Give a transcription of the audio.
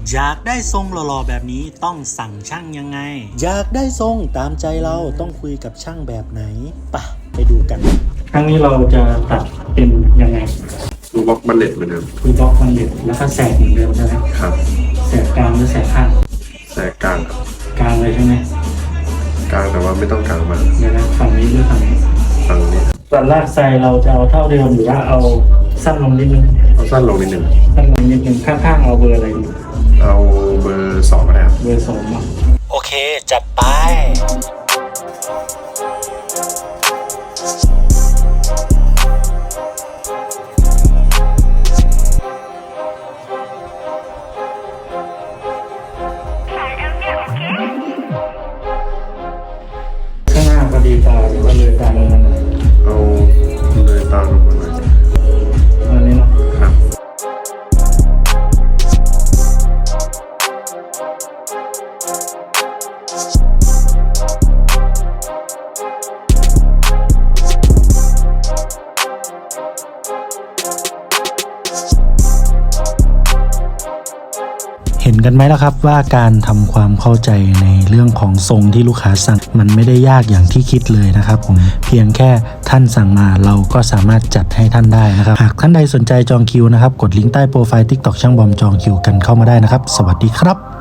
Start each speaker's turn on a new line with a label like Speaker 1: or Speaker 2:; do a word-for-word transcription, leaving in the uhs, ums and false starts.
Speaker 1: อยากได้ทรงหล่อๆแบบนี้ต้องสั่งช่างยังไงอยากได้ทรงตามใจเราต้องคุยกับช่างแบบไหนปะไปดูกันครั้งนี้เราจะตัดเป็นยังไง
Speaker 2: ดูบล็อกบัลเลตเหมือนเดิม
Speaker 1: ดูบล็อกบัลเลตแล้วก็แสกเหมือนเดิมใช่ไหม
Speaker 2: ครับ
Speaker 1: แสกกลางหรือแสกข้าง
Speaker 2: แสกกลางครับ
Speaker 1: กลางเลยใช่ไหม
Speaker 2: กลางแต่ว่าไม่ต้องกลางมาก
Speaker 1: เดี๋ยวนะฝั่งนี้หรือฝั่งนี้
Speaker 2: ฝั่งนี้
Speaker 1: ส่วนลากไซเราจะเอาเท่าเดิมหรือว่าเอาสั้นลงนิดนึง
Speaker 2: เอาสั้นลงนิดนึง
Speaker 1: สั้นลงนิดนึงข้างๆเอาเบอร์อะไรดี
Speaker 2: เอาเบอร์สองก็ได้ครับ
Speaker 1: เบอร์สองเนาะโอเคจัดไปข้างหน้าพอดีตาหรือว่าเลยตาลงมาหน่อย
Speaker 2: เอาเลยตามลงมาหน่อย
Speaker 1: อันนี้เนาะ
Speaker 2: ครับ
Speaker 1: เห็นกันไหมล่ะครับว่าการทำความเข้าใจในเรื่องของทรงที่ลูกค้าสั่งมันไม่ได้ยากอย่างที่คิดเลยนะครับผมเพียงแค่ท่านสั่งมาเราก็สามารถจัดให้ท่านได้นะครับหากท่านใดสนใจจองคิวนะครับกดลิงก์ใต้โปรไฟล์ ติ๊กต็อก ช่างบอมจองคิวกันเข้ามาได้นะครับสวัสดีครับ